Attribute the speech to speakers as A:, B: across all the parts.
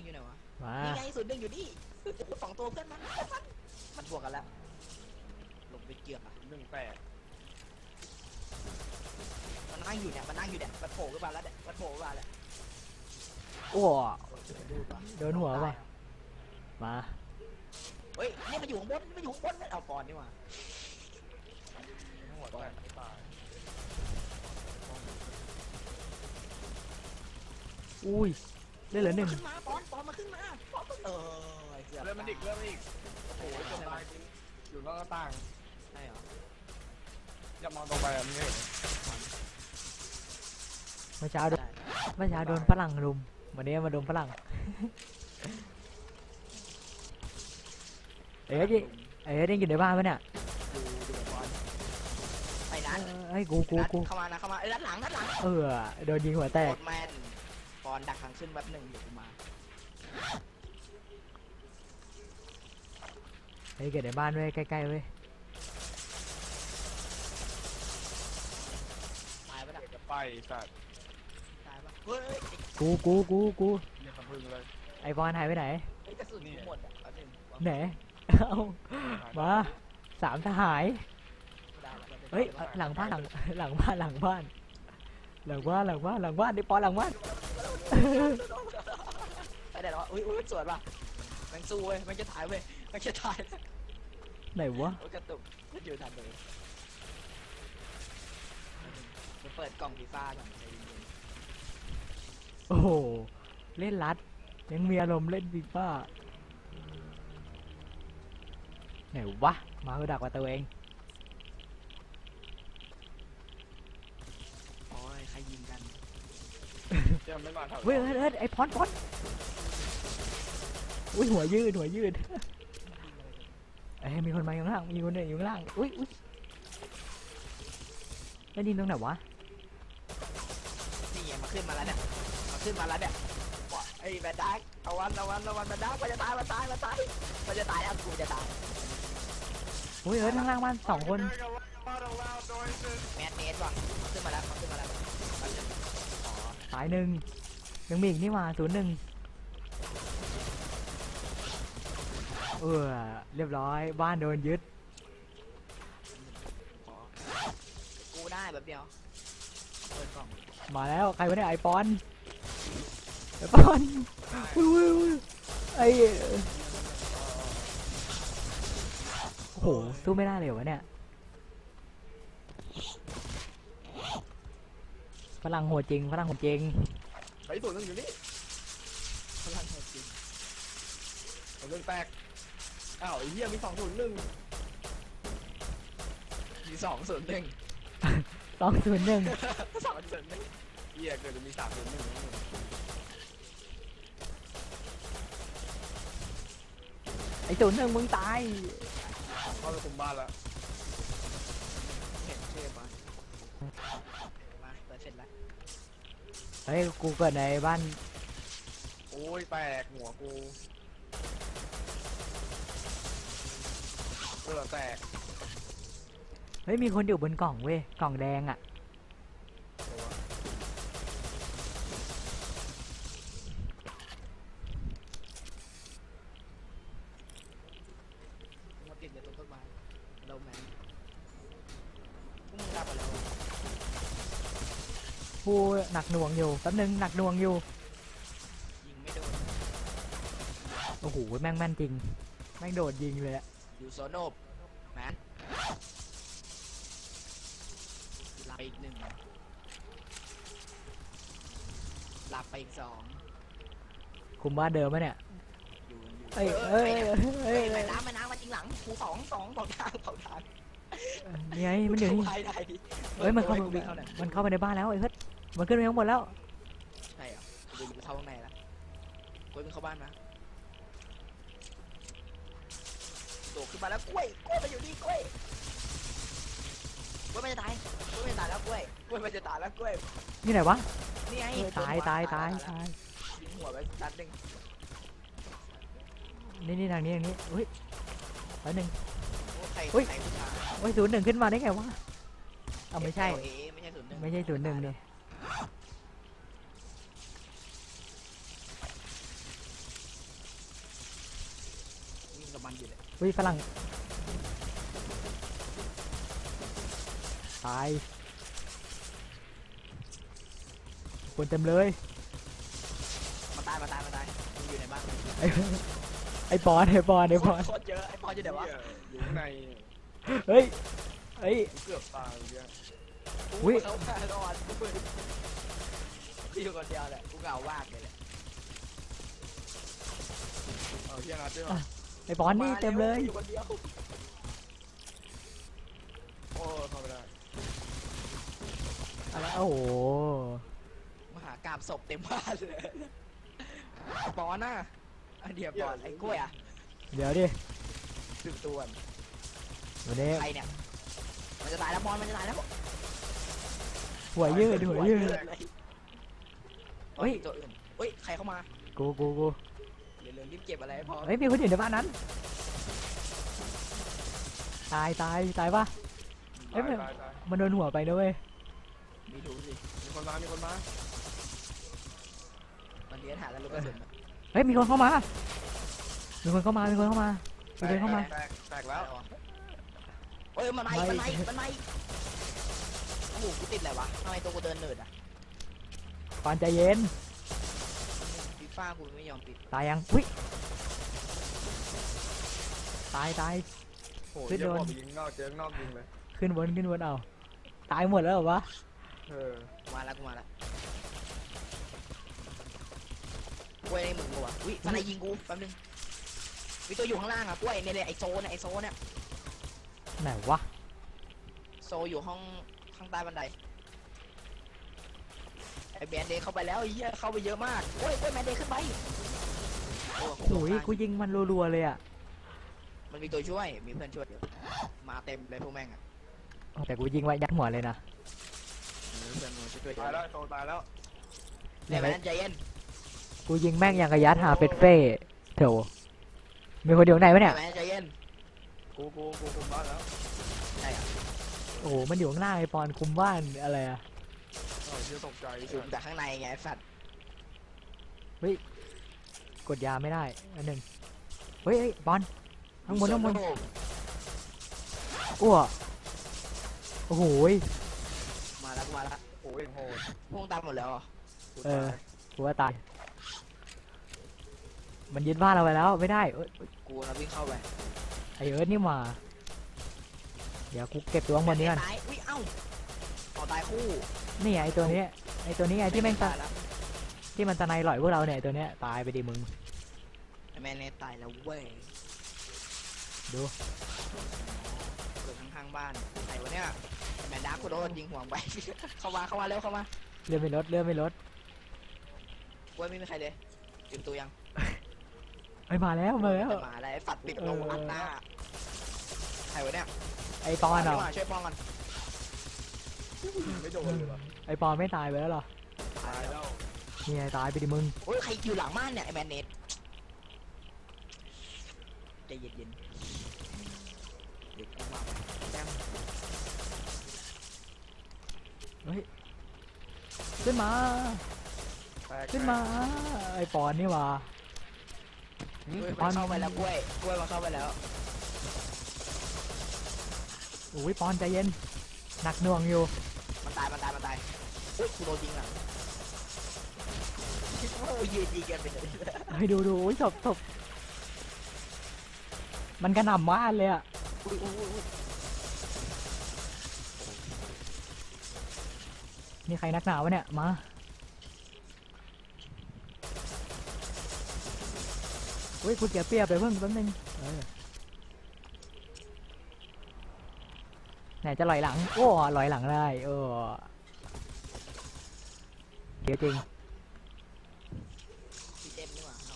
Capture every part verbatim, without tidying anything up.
A: นึ่งอยู่ไหนวะ
B: มา
A: นี่ไงศูนย์หนึ่งอยู่นี่สองตัวเพื่อนมันมันมันบวกกันแล้วลงไปเกือบอ่ะ
C: หนึ่งแปด
A: มันนั่งอยู่เนี่ยมันนั่งอยู่เนี่ยมันโผล่ขึ้นมาแล้วเนี่ยมันโผล่ขึ้นมาแล้ว
B: โอ้โดนหัวป่ะมา
A: เฮ้ยนี่มันอยู่ข้างบนมันอยู่ข้างบนเอาปอนนี่มา
C: หัวแตกไม่ตาย
B: อุ้ยได้เหลือหนึ่ง
A: ขึ้นมาปอนปอนมาขึ้นมาปอนเออ
C: เริ่มมันอีกเริ่มมันอีกโอ้โหจนตายอยู่นอกหน้าต่าง
A: ใช่เหรอ
C: อย่ามองตรงไปอ่ะมึงเห็น
B: เมื่อเช้าโดนเมื่อเช้าโดนฝรั่งรุมวันนี้มาโดนฝรั่งเอ๊ะดิเอ๊ะได้กินในบ้านปะเนี่ย
A: ไปนั้น
B: ไอ้กูกูกู
A: เข้ามานะเข้ามาเอ้ยด้านหลังด้านหลัง
B: เออโดนยิงหัวแตก
A: แมนปอนดักทางขึ้นแป๊บหนึ่งเดี๋ยวกูมา
B: เฮ้ยเกิดในบ้านเว้ยใกล้ๆเว้ย
A: ตายปะเนี่ย
C: จะไปสัตว์
A: ตายปะเฮ้ย
B: กูกูกูกู
C: เนี่ยสะพึงเลย
B: ไอบอลหายไปไหน
A: ไอ้กระสุนหมดอ่ะ
B: ไหนเอามาสามทหารเฮ้ยหลังบ้านหลังหลังบ้านหลังบ้านหลังบ้านหลังบ้านหลังบ้านดิปอนหลังบ้าน
A: ไปไหนวะอุ้ยอุ้ยสวยป่ะแมงสู้เว้ยแมงจะถ่ายเว้ยแมงจะถ่าย
B: ไหนวะ
A: กระตุกอยู่ทันเลยจะเปิดกล่องฟีฟ่าก่อน
B: โอ้โหเล่นรัดยังมีอารมณ์เล่นฟีฟ่าไหนวะมาคือดักว่าตัวเอง
A: โอ้ยใครยิงกัน
C: เจ้าไม่มาทำ
B: เฮ้ยเฮ้ยไอพอนพอนอุ้ยหัวยืดหัวยืดเอ้ยมีคนมาอยู่ข้างล่างมีคนเดินอยู่ข้างล่างอุ้ยอุ้ยได้ดินตรงไหนวะ
A: นี่มาขึ้นมาแล้วเนี่ยมาขึ้นมาแล้วเนี่ยไอ้แบดดักเอาวันเอาวันเอาวันแบดดักมันจะตายมันตายมันตายมันจะตายอ่ะกูจะตาย
B: อุ้ยเอ้ยข้างล่างบ้านสองคน
A: แมสเมสว่ะขึ้นมาแล้วขึ้นมาแล้ว
B: ตายหนึ่งยังมีอีกนี่มาศูนย์หนึ่งเออเรียบร้อยบ้านโดนยึด
A: กูได้แบบเดียวเปิดกล่อง
B: มาแล้วใครวะเนี่ยไอปอนไอปอนอุ้ยไอโอ้โหสู้ไม่ได้เลยวะเนี่ยพลังโหดจริงพลังโหดจริง
C: ไอ้ตัวนึงอยู่นี่
A: พลังโหดจริง
C: ตัวนึงแตกอ้าวไอ้เหี้ยมีสองศูนย์หนึ่ง
A: มีสองศูนย์หนึ่ง
B: สองศูนย์หนึ่ง
A: สองศูนย์หนึ่ง
C: เหี้ยเกิดจะมีสามศูนย์หนึ่ง
B: ไอ้ศูนย์หนึ่งมึงตาย
C: เข้าไปคุมบ้านแล้ว
A: เห็นเชื่อปะมาเปิดเสร็จแล้ว
B: เฮ้ยกูเกิดในบ้าน
C: โอ้ยแตกหัวกูกูแตก
B: เฮ้ยมีคนอยู่บนกล่องเว้ยกล่องแดงอ่ะ
A: มาติดอยู่ตรงต้นไม้เราแมนมึงรับอะไรวะ
B: กูหนักหน่วงอยู่แป๊บนึงหนักหน่วงอยู่
A: ยิงไม่โดน
B: โอ้โหแม่งแม่นจริงแม่งโดดยิงเลยอะ
A: อยู่โซโนบแมนลาไปอีกหนึ่งลาไปอีกสอง
B: คุมบ้านเดิมไหมเนี่ย
A: อยู่อยู่
B: เอ้ยเอ้ยเอ้ย
A: ไปน้ำไปน้ำมาจริงหลังกูสองสองสองทางสองทาง
B: นี่ไงมันอยู่นี่เฮ้ยมันเข้ามันเข้าไปในบ้านแล้วไอ้เฮ้ยมันขึ้นไปข้างบนแล้ว
A: ใช่เหรอกูจะเข้าข้างในแล้วกูมึงเข้าบ้านมาโดดขึ้นมาแล้วกล้วยกล้วยมันอยู่นี่กล้วยกล้วยมันจะตายกล้วยมันจะตายแล้วกล้วยกล้วยมันจะตายแล้วกล้วย
B: นี่ไหนวะ
A: นี่ไง
B: ตายตายตายตาย
A: ยิงหัวไปนัดหนึ่ง
B: นี่นี่ทางนี้ทางนี้เฮ้ยไปหนึ่ง
A: เฮ้ย
B: โอ้ยศูนย์หนึ่งขึ้นมาได้ไงวะเอาไม่ใช่
A: ไม่ใช่ศูนย์หนึ่ง
B: ไม่ใช่ศูนย์หนึ่งเลย
A: มมันอยู่เลย
B: อุ้ยฝรั่งตายคนเต็มเลย
A: มาตายมาตายมาตายมึงอยู่ไหนบ้าง
B: ไอ้ไอ้ปอนไอ้ปอนไอ้ปอน
A: โคตรเยอะไอ้ปอนอยู่ไหนวะ
C: เหี้ยอยู่ข้างใน
B: เฮ้ยเฮ้ย
C: เกือบตายเมื่อกี้
B: อุ๊ย
A: เขาฆ่าก่อนกูเปิดกูอยู่คนเดียวแหละกูเหงามากเลยแหละ
C: เอาเฮียนัดด้วยเหรอ
B: ไอ้ปอนนี่เต็มเลย
A: อยู่คนเดียว
C: โอ้เข้าไปได้
B: อะไรโอ้โห
A: มหากราบศพเต็มบ้านเลยปอนน่ะอันเดียวปอนไอ้กล้วยอ่ะ
B: เดี๋ยวดิ
A: ถึงตัว
B: วันนี้
A: ใครเนี่ยมันจะตายแล้วปอนมันจะตายแล้ว
B: หัวยืดหัวยืด เฮ้
A: เฮ้
B: ย
A: ยตัวอื่นเฮ้ยใครเข้ามา
B: กูกูกู
A: เดี๋ยวเร็วรีบเก็บอะไรให้พอ
B: เฮ้ยมีคนอยู่ในบ้านนั้นตายตายตายปะ เอ้ย
C: ตายตายตาย
B: มันโดนหัวไปนะเว้ย
A: มีถูสิ
C: มีคนมามีคนมา
A: มันเลี้ยงหาแล้วลูกกระสุน
B: เฮ้ยมีคนเข้ามา มีคนเข้ามา มีคนเข้ามา มีคนเข้ามา
C: แตกแตกแล้ว
A: เอ้ยมันมาอีกมันมาอีกมันมาอีกโอ้โหกูติดอะไรวะทำไมตัวกูเดินเนิร์ดอ่ะ
B: ปอนใจเย็น
A: ฟีฟ่ากูไม่ยอมปิด
B: ตายยังอุ้ยตายตาย
C: โอ้
B: ขึ้
C: ย
B: น
C: เดี๋ยว
B: โดน
C: บอกไปยิงนอกเจอนอกยิงเลย
B: ขึ้นบนขึ้นบนเอาตายหมดแล้วเหรอวะ
C: เออ
A: มาแล้วกูมาแล้วกล้วยในมึงกูอ่ะอุ้ยอะไรยิงกูแป๊บนึงมีตัวอยู่ข้างล่างอ่ะกล้วยเนี่ยเลยไอโซเนี่ยไอโซเนี่ย
B: ไหนวะ
A: โซอยู่ห้องข้างใต้บันไดไอแบนเดย์เข้าไปแล้วไอ้เหี้ยเข้าไปเยอะมากโอ้ยโอ้ยแบนเดย์ขึ้นไปโอ้
B: โอ้ยกูยิงมันรัวๆเลยอ่ะ
A: มันมีตัวช่วยมีเพื่อนช่วยเยอะมาเต็มเลยพวกแม่งอ่ะ
B: แต่กูยิงไว้ยัดหัวเลยนะ
A: มีเพื่อนมาช่วยเย
C: ตาย
A: อะ
C: แล้วโตตายแล้ว
A: แต่แบนใจเย็น
B: กูยิงแม่งอย่างกระยัดหาเป็ดเฟ่โถมีคนเดียวไหนวะเนี่ย
A: แบนใจเย็น
C: กูกูกูคุมบ้านแล้ว
A: ใช่อ่ะ
B: โอ้โหมันอยู่ข้างหน้าไอปอนคุมบ้านอะไรอะ
C: เออเชี่ยตกใจ
A: คุมจากข้างในไงไอ้สัตว์
B: กดยาไม่ได้อันหนึ่งเฮ้ยเฮ้ยปอนข้างบนข้างบนอ้วโอ้โหย
A: มาแล้วกูมาแล้ว
C: โอ้ยโหด
A: พวกตามหมดแล้วเหรอ
C: กู
B: เอ
C: ตา
B: อย กูว่าตายมันยึดบ้านเราไปแล้วไม่ได้เอ้ย
A: กูนะวิ่งเข้าไป
B: ไอเอิร์ธนี่มาเดี๋ยวกูเก็บตัวข้างบนนี้ก่อน
A: ตายอุ้ยเอ้าต่อตายคู่
B: นี่ไงไอตัวนี้ไอตัวนี้ไงที่แม่งตา
A: ตายแล้ว
B: ที่มันตะไนหล่อยพวกเราเนี่ยไอ้ตัวเนี้ยตายไปดิมึง
A: ไอ้แมนเนตตายแล้วเว้ย
B: ดู
A: เกิดข้างๆบ้านใครวะเนี่ยแมนดาร์กกูโดนยิงหัวไป เข้ามาเข้ามาเร็วเข้ามา
B: เลื่อนไม่ลดเลื่อนไม่ลด
A: กล้วยไม่มีใครเลยเตรียมตัวยัง
B: ไอยมาแล้วมาแล้ว
A: จะมาอะไรไอ้สัตว์ติดลงอัดหน้าใครวะเนี่ย
B: ไอปอนเหรอ
A: มาช่วยป้องกัน
C: ไม่โดนเลยเหรอ
B: ไอปอนไม่ตายไปแล้วเหรอ
C: ตายแล้ว
B: นี่ไงตายไปดิมึง
A: โอ้ยใครอยู่หลังบ้านเนี่ยไอ้แมนเนตใจเย็นๆเด็กเข้ามาแต้ม
B: ขึ้นมา
C: แตก
B: ขึ้นมาไอปอนนี่หว่า
A: กล้วย
B: ปอ
A: มัน นเข้าไปแล้วกล้วยกล้วยมันเข้าไปแล้ว
B: โอ้ยปอนใจเย็นหนักหน่วงอยู่
A: มันตายมันตายมันตายอุ้ยกูโดนยิงอ่ะโอ้ยยืนยิงกันไปเลย
B: เฮ้ยดูดูโอ้ยศพศพมันกระหน่ำมากเลยอะ
A: อุ้ยอุ้ยอุ้ย
B: นี่ใครนักหนาวะเนี่ยมาอุ้ยกูเสียเปรียบไปเพิ่งแป๊บนึงเออไหนจะลอยหลังโอ้ลอยหลังได้เออเดี๋ยวจริง
A: พี่เต็มนี่หว่าเอา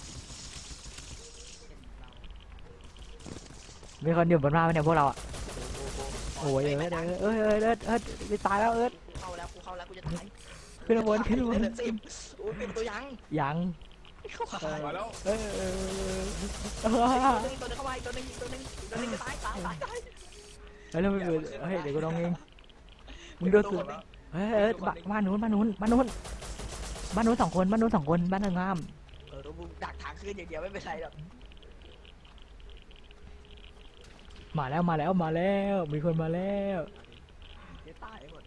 B: มีคนอยู่บนบ้านไหมเนี่ยพวกเราอะ
A: โอ้
B: โอ้ยเอิร์ดเอิร์ดเอิร์ดเอิร์ดเอิร์ดเอิร์ดตายแล้วเอิร์ด
A: เข้าแล้วกูเข้าแล้วกูจะตาย
B: ขึ้นมาบนขึ้นมาบน
A: เดือดสิบโอ้ยเป็นตัวยัง
B: ยัง
A: เข้ามา
C: มาแล้ว
B: เออเออเออ
A: ตัวนึงตัวนึงเข้ามาอีกตัวนึงอีกตัวนึงอีกตัวนึงจะตายตายตายตาย
B: เฮ้ยแล้วมึงเฮ้ยเดี๋ยวกูลองเองมึงดูสิเฮ้ยเอิร์ดบ้านบ้านนู้นบ้านนู้นบ้านนู้นบ้านนู้นสองคนบ้านนู้นสองคนบ้านหนึ่งงาม
A: เออเราบุกดักทางขึ้นอย่างเดียวไม่เป็นไรหรอก
B: มาแล้วมาแล้วมาแล้วมีคนมาแล้ว
A: เดี๋ยวตายหมด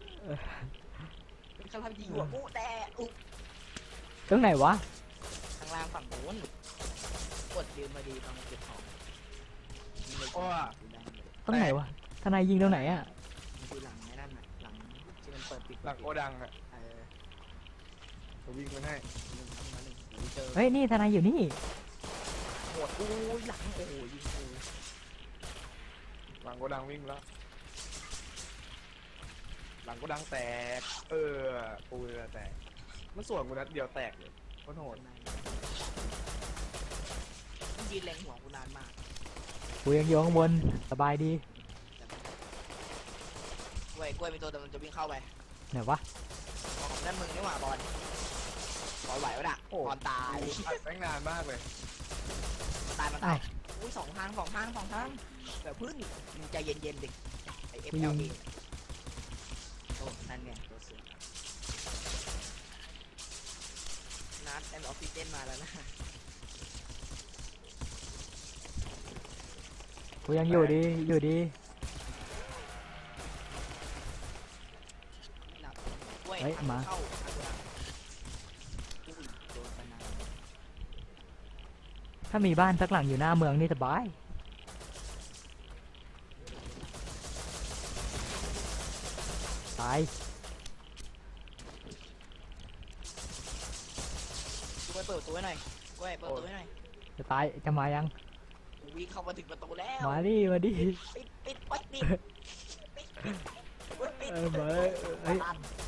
A: เป็นคำทำยิงหัวกูแต่อุ๊บ
B: ตรงไหนวะ
A: ข้างล่างฝั่งโน้นกดยืมมาดีตอนเก็บของยิงเลย
C: โอ้ย
B: ตรงไหนวะทนายยิงตรงไหนอ่ะ
A: มันคือหลังไอ้นั่นน่ะหลังที่มันเปิดปิด
C: หลังโกดังอ่ะ
A: เออ
C: ผมวิ่งมาให้
A: หนึ่งครับมาหนึ่งโอ้ยเจอ
B: เฮ้ยนี่ทนายอยู่นี่
A: โหดอู้ยหลังโอ้ยยิงกู
C: หลังโกดังวิ่งแล้วหลังโกดังแตกเออปูเรือแตกมันส่วนกูนัดเดียวแตกเลยโคตรโหด
A: มันยืนเล็งหัวกูนานมาก
B: กูยังอยู่ข้างบนสบายดี
A: กล้วยกล้วยมีตัวแต่มันจะวิ่งเข้าไป
B: ไหนวะ
A: ของนั่นมึงนี่หว่าบอลบอลไหววะน่ะบอลตาย
C: อัดแม่งนานมากเลย
A: มันตายมันตายอุ้ยสองทางสองทางสองทางแต่พึ่งมึงใจเย็นๆดิไอเอฟเอลเอโอ้นั่นไงตัวเสือนัดแอนด์ออกซิเจนมาแล้วนะ
B: กูยังอยู่ดีอยู่ดี
A: หนักกล้วย
B: เฮ้ย
A: ทาง
B: มา
A: เข้าทางกูดังอุ้ยโดนไปนาน
B: ถ้ามีบ้านสักหลังอยู่หน้าเมืองนี่สบายตาย
A: กล้วยเปิดประตูให้หน่อยกล้วยเปิดประตูให้หน่อย
B: จะตายจะมายัง
A: วิ่งเข้ามาถึงประตูแล้ว
B: มาดิมาดิ
A: ปิดปิดปิดปิดปิดปิดปิด
B: เออมาเฮ้ย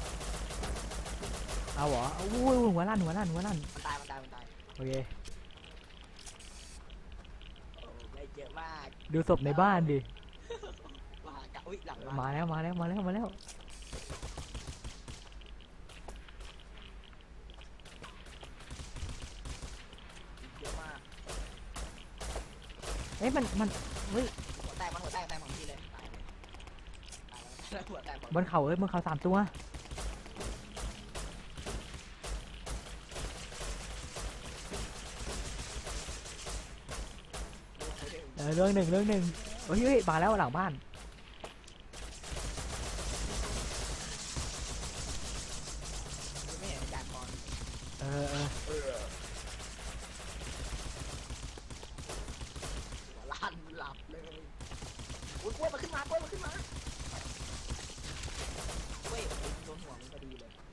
B: เอาเหรออุ้ยหัวลั่นหัวลั่นหัวลั่น
A: มันตายมันตายมันตาย
B: โอเค
A: โอ้ได้เยอะมาก
B: ดูศพในบ้านดิ
A: มากะอุ้ยหลัง
B: มาแล้วมาแล้วมาแล้วมาแล้ว
A: เยอะมาก
B: เอ้ยมันมันเฮ้ย
A: หัวแตกมันหัวแตกแตกของพี่เลยตายเลยตายแล้วหัวแตก
B: บนเขาเอ้ยบนเขาสามตัวเออเรื่องหนึ่งเรื่องหนึ่งเฮ้ยเฮ้ยมาแล้วหลังบ้าน
A: ไม่เห็นจานก่อน
B: เออเออ
C: เออ
A: หัวลั่นหลับเลยอุ้ยกล้วยมาขึ้นมากล้วยมาขึ้นมาเว้ยโดนหัวมันพอดีเลย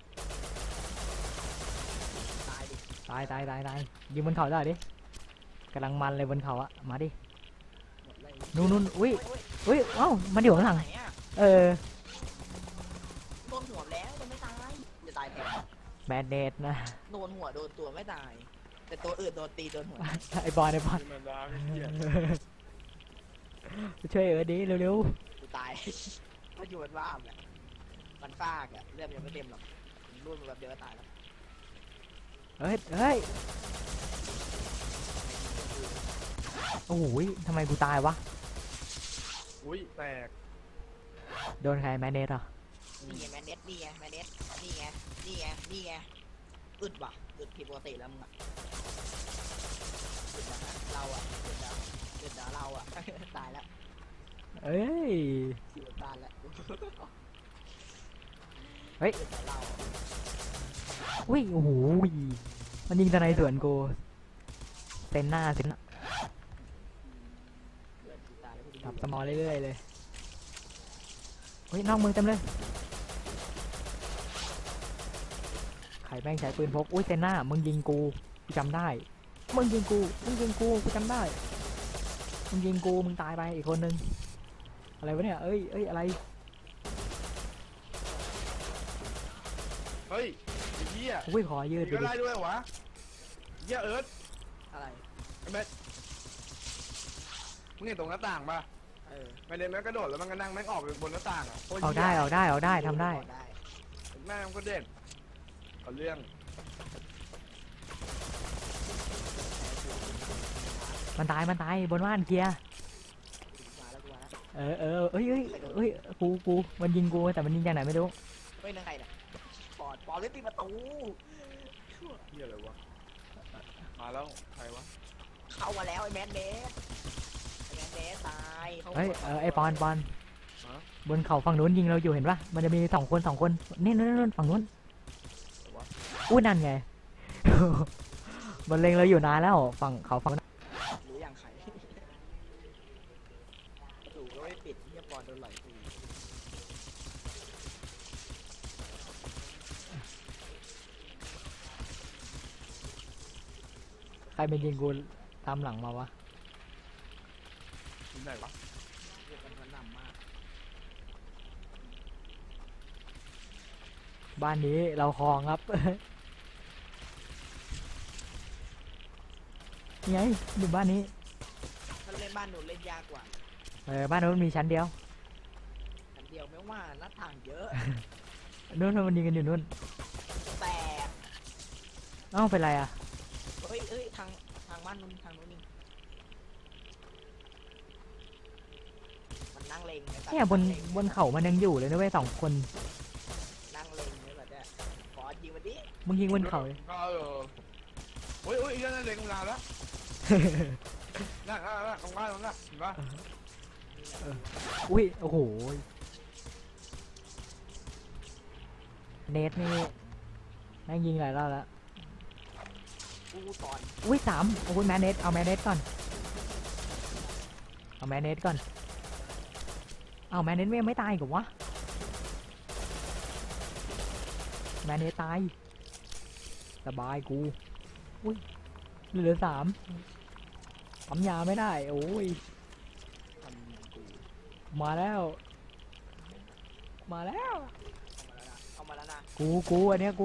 A: ตายดิ
B: ตายตายตายตายยิงบนเขาได้ดิกำลังมันเลยบนเขาอะมาดิ
A: หมดเลย
B: นู่นนู่นอุ้ย
A: โอ้ย
B: อุ้ยเอ้ามันอยู่ข้างหลัง
A: ไหนอะ
B: เออ
A: โดนหัวแล้วมันไม่ตายจะตายแทน
B: แบนเดดนะ
A: โดนหัวโดนตัวไม่ตาย แต่ตัวอื่นโดนตีโดนหัว
B: ไอ้บอลไอ้บอล
C: ที่มันดาไม่เหี้ย
B: ช่วยเออดิเร็ว
A: กูตาย ถ้าอยู่บนบ้านแหละมันฟากอะเลือดยังไม่เต็มหรอกรุ่นมันแบบเดียวก็ตายแล้ว
B: ๆเฮ้ยเฮ้ยโอ้โหทำไมกูตายวะ
C: อุ้ยแตก
B: โดนใครแมนเดดเหรอ
A: นี่ไงแมนเนสนี่ไงแมนเนสนี่ไงนี่ไงนี่ไงอึดว่ะอึดผิดปกติแล้วมึงอะอึดนะเราอะอึดนะอึดนะเราอะ ตายแล้ว
B: เอ้ย
A: อยู่บนบ้านแล้ว
B: เฮ้ย
A: อึดนะเราอะ
B: อุ้ยโอ้โหมันยิงทนายสวนกูเต็นหน้าเต็นหน้า
A: เลือดกูตายแล้วกูจะ
B: จับสมอลเรื่อยๆเลยเฮ้ยนอกมือเต็มเลยใครแม่งใช้ปืนพกอุ้ยเต็นหน้ามึงยิงกูกูจำได้มึงยิงกูมึงยิงกูกูจำได้มึงยิงกูมึงตายไปอีกคนนึงอะไรวะเนี่ยเอ้ยเอ้ยอะไร
C: เฮ้ยไอ้เหี้ย
B: อุ้ยขอยืด
C: มี
B: ดู
C: ก็
B: ดิ
C: ได้ด้วยวะเหี้ยเอิร์ธ
A: อะไร
C: ไอ้แม็กมึงเห็นตรงหน้าต่างปะ
A: เออ
C: ไม่เล่นแม่งกระโดดแล้วมันก็นั่งแม่งออกไปบนหน้าต่างอ่ะโคตร
B: เอา
C: หี้ย
B: ได้เอาได้เอาได้ทำได้
A: ได้
C: แม่งก็เด็ดเอาเรื่อง
B: มันตายมันตายบนบ้านเคลียร์
A: มาแล้วกูมาแล้ว
B: เออเออเอ้ยเอ้ยเอ้ยกูกูมันยิงกูแต่มันยิงจากไหนไม่รู้
A: เฮ้ยนั่งไงเนี่ยปอดปอดเล่นตีประตู
C: เหี้ยอะไรวะมาแล้วใครวะ
A: เข้ามาแล้วไอ้แมนเนสไอ้แมนเดสตายขา
B: เฮ้ยเออไอปอนปอน
C: ฮะ
B: บนเขาฝั่งนู้นยิงเราอยู่เห็นปะมันจะมีสองคนสองคนนี่นู่นนู่นฝั่งนู้นอู้นั่นไง มันเล็งเราอยู่นานแล้วฝั่งเขาฝั่ง
A: รู้อย่างใครประตูก็ไม่ปิดเฮียปอนโดนไหลกู
B: ใครเป็นยิงกูตามหลังมาวะ
C: ที่ไหนวะ
A: เรียกกันกระหน่ำมาก
B: บ้านนี้เราคลองครับ นี่ไงอยู่บ้านนี้
A: ถ้าเล่นบ้านหนูเล่นยากกว่า
B: เออบ้านนู้นมีชั้นเดียว
A: อันเดียวไม่ว่าหน้าต่างเยอะ
B: นู้นนู้นมันยิงกันอยู่นู้น
A: แต่
B: เอ้าเป็นไรอ่ะ
A: เฮ้ยเอ้ยทางทางบ้านนู้นทางนู้นนี่มันนั่งเลงไอ้สัตว์
B: เนี่ยบน
A: งเลง
B: บนเขามันยังอยู่เลยนะเว้ยสองคน
A: นั่งเลงเลยแบบเนี้ยขอยิงมาดิ
B: มึงยิงบนเขาเลย
C: ก็เออโอ้ยโอ้ยอีกแล้วนั่นเล็งนานแล้วนั่นนั่นนั่นตรงบ้านตรงนั้นเห็นปะ
B: อุ้ยโอ้โหเนทนี่แม่งยิงหลายรอบแล้ว
A: กูสอน
B: อุ้ยสามโอ้ยแมนเนทเอาแมนเนทก่อนเอาแมนเนทก่อนเอาแมนเนทไม่ตายกับวะแมนเนทตายสบายกูอุ้ยเหลือสามปั๊มยาไม่ได้โอ้ย
A: ทำกู
B: มาแล้ว มาแล้ว
A: เอามาแล้วนะ
B: กูกูอันเนี้ยกู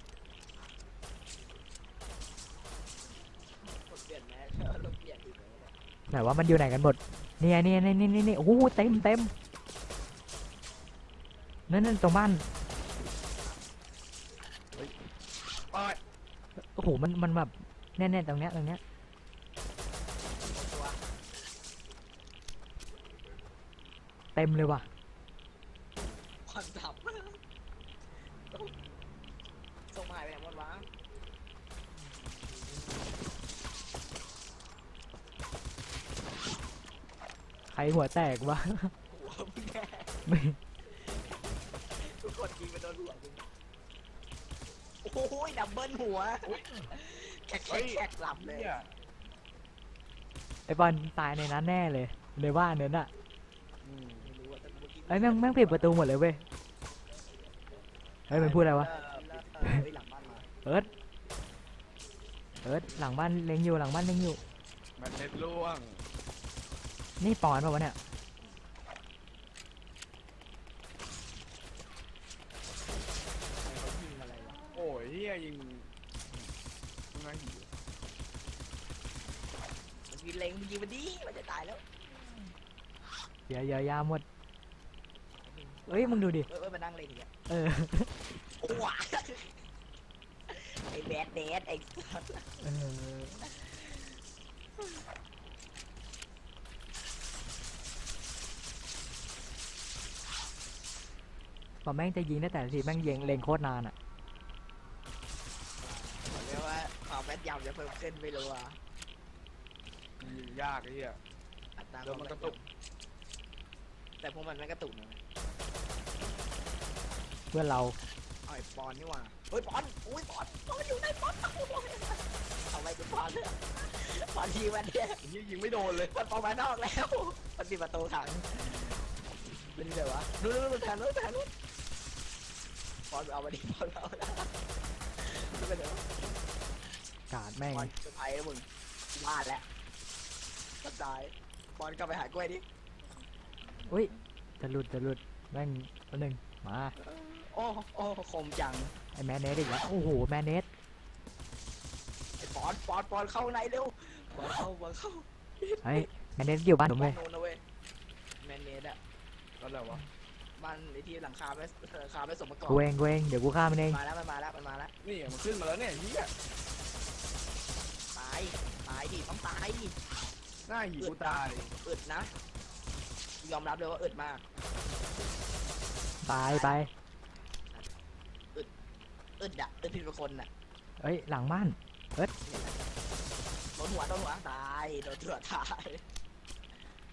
A: กดเปลี่ยนแมสเออลงเปลี่ยนอีกแล้วเนี่ย
B: ไหนว่ามันอยู่ไหนกันหมดเนี่ยเนี่ยเนี่ยเนี่ยเนี่ยโอ้โหเต็มเต็มนั่นนั่นตรงบ้าน
C: โอ้ย
B: โอ้โหมันมันแบบแน่ๆตรงเนี้ยตรงเนี้ย
A: ตัว
B: เต็มเลยว่ะ
A: คอนดับส่งมาหายไปไหนหมดวะ
B: ใครหัวแตกวะ
A: หัวมึงแน่
B: ไม่
A: ทุกคนยิงไปโดนหัวมึงโอ้ยดับเบิลหัวแขกแขกแขกหลับเลย
C: เนี่ย
B: ไอบอลตายในนั้นแน่เลยในบ้านนั้นอ่ะ
C: อืม
A: ไม่รู้อะแต่เมื่อกี้
B: ไอ้ยแม่งแม่งปิดประตูหมดเลยเว้ยเฮ้ยมันพูดอะไรวะ
A: เออเฮ้ยหลังบ้านมา
B: เอิร์ดเอิร์ดหลังบ้านเล็งอยู่หลังบ้านเล็งอยู่
C: มันเน็ตล่วง
B: นี่ปอนป่าวะเนี่ย
A: ใครเขายิงอะไรวะ
C: โอ้ยเฮียยิงมึงไงหิว
A: เมื่อกี้เล็งมึงยิงมาดิมันจะตายแล้ว
B: เดี๋ยวเดี๋ยวยาหมดเอ้ยมึงดูดิ
A: เออเออมานั่งเล็งอย่างเงี้ย
B: เออ
A: โอ้ว้าไอ้แบดแดดไอ้สัส
B: เออพอแม่งจะยิงได้แต่ละทีแม่งยิงเล็งโคตรนานอ่ะ
A: เรียกว่าความแม่นยำจะเพิ่มขึ้นไม่รู้อ่ะ
C: ยิงยากไอ้เหี้ย
A: อัตรา
C: เดี๋ยวมันกระตุก
A: แต่พวกมันไม่กระตุกนะ
B: เพื่อนเรา
A: เอาไอ้ปอนนี่หว่าเฮ้ยปอนอุ้ยปอนปอนอยู่ไหนปอนเอาไปเป็นปอนเลยปอนทีมันเนี่ย
C: ไอ้เหี้ยยิงไม่โดนเลย
A: มันปอนมานอกแล้วมันปิดประตูขังเป็นไงวะนู้นนู้นแผนนู้นแผนนู้นปอนเอามาดิปอนเอาละไม่เป็นไรวะ
B: กาดแม่ง
A: ปอนจะไปแล้วมึงพลาดแล้วก็ตายปอนกลับไปหากล้วยดิ
B: อุ้ยจะหลุดจะหลุดแม่งตัวหนึ่งมา
A: โอ้โอ้คมจัง
B: ไอแมนเนสอีกแล้วโอ้โหแมนเนส
A: ไอ้ปอนปอนปอนเข้าในเร็วปอนเข้าปอนเข้า
B: ไอแมนเนสอยู่บ้านผมเลย
A: โน่นนะเว้ยแมนเนสอะ
C: ก็แล้ววะ
A: บ้านไอ้ที่หลังคาไม่หลังคาไม่สมประกอบ
B: กูเองกูเองเดี๋ยวกูฆ่ามันเอง
A: มาแล้วมันมาแล้วมันมาแล้ว
C: นี่มันขึ้นมาแล้วเนี่ยเหี้ย
A: ตายตายดิต้องตายดิ
C: หน้าหิวกูตาย
A: อึดนะยอมรับเลยว่าอึดมาก
B: ตายไป
A: อึดอะอึดผิดเป็นคนอะ
B: เอ้ยหลังบ้าน
A: โดนหัวโดนหัวตายโดนหัวตาย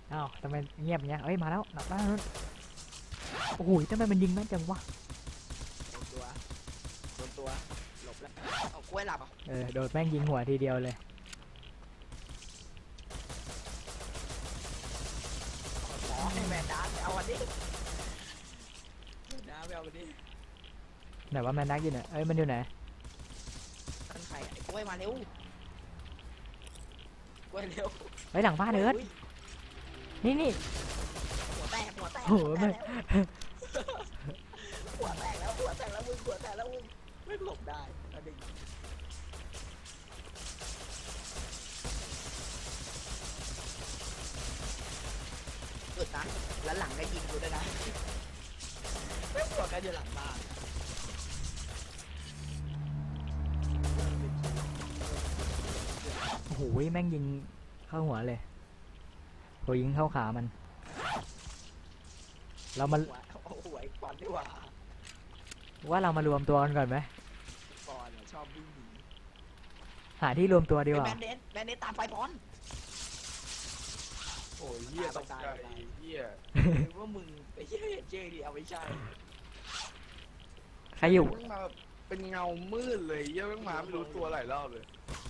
B: อ้าวทำไมเงียบเงี้ยเอ้ยมาแล้วหนักบ้านนู้นโอ้โหทำไมมันยิงแม่นจังวะ
A: โดนตัวโดนตัวหลบแล้วเอากล้วยหลับอ่ะ
B: เออโดนแม่งยิงหัวทีเดียวเลย
A: ขอให้แมนดาร์ไปเอาวันนี้แมนดาร์ไปเอาวันนี้
B: ไหนว่าแมนดักอยู่ไหนเอ้ยมันอยู่ไหน
A: ท่านใครไอ้กล้วยมาเร็วกล้วยเร็ว
B: เฮ้ยหลังบ้านเอิร์ธนี่นี่
A: หัวแตกหัวแตก
B: โอ้โห
A: หัวแต
B: ไม่
A: กหัวแตกแล้วหัวแตกแล้วมึงหัวแตกแล้วมึงไม่หลบได้แล้วดึงอึดนะแล้วหลังก็ยิงกูด้วยนะไม่หัวกันอยู่หลังบ้าน
B: โอ้โหแม่งยิงเข้าหัวเลยโหยิงเข้าขามันเรามา
A: โอ้โหไอ้ปอนดีกว่า
B: ว่าเรามารวมตัวกันก่อนไหม
A: ปอนอะชอบวิ่งหนี
B: หาที่รวมตัวดีกว่า
A: แมนเดสแมนเดสตามไปปอน
C: โอ้ยเหี้ยตกใจเหี้ย
A: หรือว่ามึงไอ้เหี้ยเจดีเอาไม่ใช่
B: ใครอยู่
C: แม่งมาแบบเป็นเงามืดเลยเหี้ยแม่งมาไม่รู้ตัวหลายรอบเลย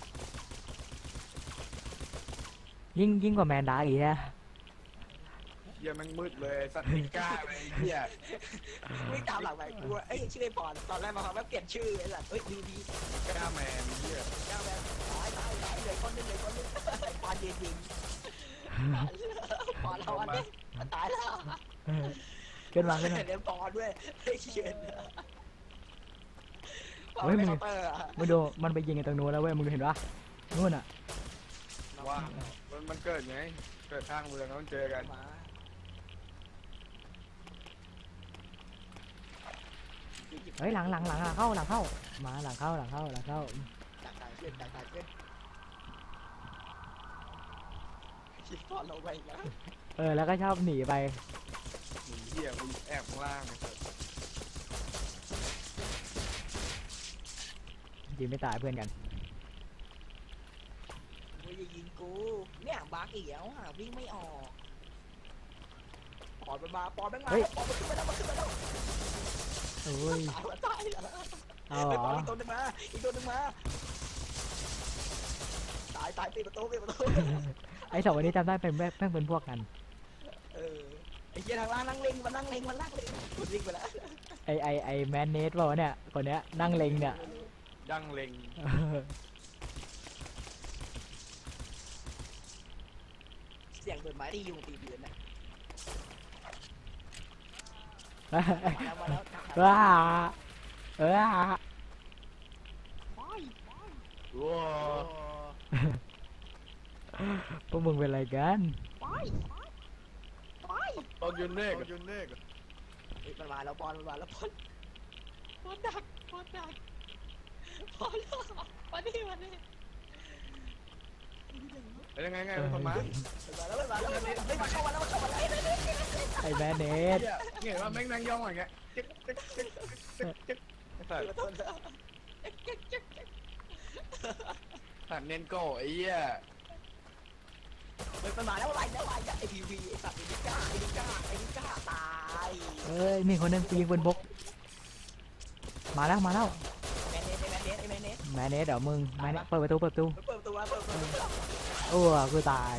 B: ยิ่งยิ่งกว่าแมนดักอีกนะ
C: เหี้ยแม่งมืดเลยสัตว์ไม่กล้าเลยเหี้ย
A: วิ่งตามหลังไปกูว่าเอ้ยชื่อไอ้ปอนตอนแรกมาฟังว่าเปลี่ยนชื่อไอ้สัตว์เฮ้ยดีดี
C: กล้าแมนเหี้ย
A: เจ้าแมนตายตายตายเลยคนนึงเลยคนนึงไอ้ปอนยิงยิงปอนเราอันนี้มันตายแล้ว
B: เออขึ้นมาขึ้นมา
A: เดี๋ยวปอนด้วยไอ้เขียน
B: เฮ้ยมึง
A: เคาน์เตอร์อะ
B: มึงดูมันไปยิงกันตรงนู้นแล้วเว้ยมึงเห็นปะนู่นอ่ะ
C: ว่ามันมันเกิดไงเกิดข้างเมืองต้องเจอกัน
A: มา
B: เฮ้ยหลังหลังหลังหลังเข้าหลังเข้ามาหลังเข้าหลังเข้าหลังเข้า
A: ต่างๆเพื่อนต่างๆเพื่อนคิดปอนเราไปแล้ว
B: เออแล้วก็ชอบหนีไป
C: หนีเหี้ยมึงแอบข้างล่างไอ้สัตว์
B: ยิงไม่ตายเพื่อนกัน
A: มึงอย่ายิงกูเนี่ยบาร์กอีกแล้วอ่ะวิ่งไม่ออกปอนมันมาปอนมันมาปอนมันขึ้นมาแล้วมันขึ้นมาแล้ว
B: โอ้ย
A: ตายแล้วตายแล้ว
B: เอา
A: ไป
B: เหร
A: ปอน
B: อ
A: อีกตัวหนึงมาอีกตัวหนึงมาตายตายปิดประตูปิดประตู
B: ไอ้สองคนนี้จำได้เป็นแม่แม่งเป็นพวกกัน
A: เออไอ้เหี้ยทางล่างนั่งเล็งมันนั่งเล็งมันนั่งเล็งมันวิ่งไปแล้ว
B: ไอไอไอแมนเนสเปล่าวะเนี่ยคนเนี้ยนั่งเล็งเนี่ย
C: ดังเล็ง
B: เออ
A: เสียงเบิดไม้ที่ยุงตีเดือนน่ะ
B: เอ้ย
A: มาแล้วมาแล้ว
B: ว้าเออ
A: ไปไป
C: ว้า
B: พวกมึงเป็นอะไรกัน
A: ไปไป
C: ตอนยืนเนกยืนเนก
A: เฮ้ยมันมาแล้วปอนมันมาแล้วปอนปอนดักปอนดักปอนมาดิมาดิ
C: เป็นยังไงไงเป็นคนมา
A: มันมาแล้วมันมาแล้วเฮ้ยมาเข้ามาแล้วมาเข้ามาแล้ว
B: ไอแมนเนส
C: เหี้ยเห็นว่าแม่งนั่งย่องอย่างเงี้ยจึ๊กจึ๊กจึ๊กจึ๊กจึ๊กไอ้สัตว์
A: เปิดตัวแล้วเจ๊กเจ๊กเจ๊ก
C: สัตว์เน้นโก้ไอ้เหี้ย
A: เฮ้ยมันมาแล้วอะไรแล้วอะไรไอ้พีวีไอ้สัตว์ไอ้ดิก้าไอ้ดิก้าไอ้ดิก้าตาย
B: เอ้ยมีคนหนึงยิงปืนพกมาแล้วมาแล้ว
A: แมนเนสไอ้แมนเนสไอ้แมนเนส
B: แมนเนสเดี๋ยวมึงแมนเนสเปิดประตูเปิดประตู
A: เปิดประตูมาเปิดประตูมา
B: โอ้กูตาย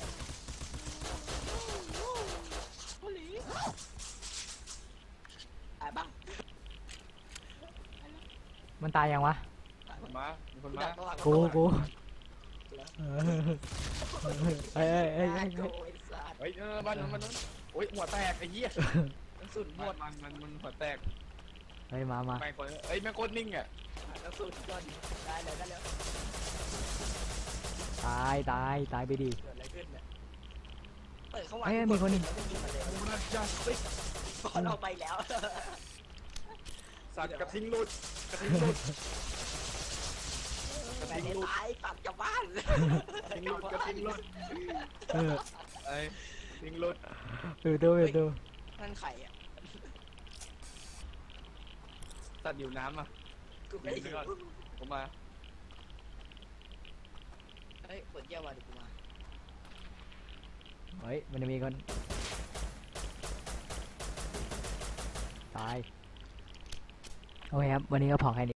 A: โอ้โหตายบ้าง
B: มันตายยังวะ
C: คนมามีคนมา
B: กูกูเออเอ้ยเอ้ยเอ้ย
A: ไอ้
B: เอ้ย
A: โอ้ยสัตว์
C: เฮ้ยเออบ้านนู้นบ้านนู้นโอ้ยหัวแตกไอ้เหี้ย
A: กระสุนหม
C: มัน
A: ด
C: มันมันมันหัวแตก
B: เฮ้ยมามา
C: ไม่คนเอ้ยแม่งโคตรนิ่งอ่ะ
A: กระสุนก่อนได้เลยได้เลย
B: ตายตายตายไปดิ
A: เกิดอะไรขึ้นเนี่ยเปิดเข้ามา
B: เอ้ยมีคนหนึ่ง
A: แล้วก็ยิงมาเลย
C: กูน่าจะสิ
A: บอลเอาไปแล้ว
C: สัตว์กระทิงหลุดกระทิงหลุดกระ
A: แม่
C: ทิง
A: ได้
C: หลุด
A: ตายตัดกลับบ้าน
C: กระทิงหลุดกระทิงหลุด
B: เออ
C: ไอ้ทิงหลุด
B: ดูดูดู
A: นั่นไข่อ่ะ
C: สัตว์อยู่น้ำอ่ะ
A: กูไม่ได้ยิน
C: ผมมา
A: เฮ้ยเปิดแก้วมาดิกูมา
B: เฮ้ยมันจะมีคนตายโอเคครับวันนี้ก็พอแค่นี้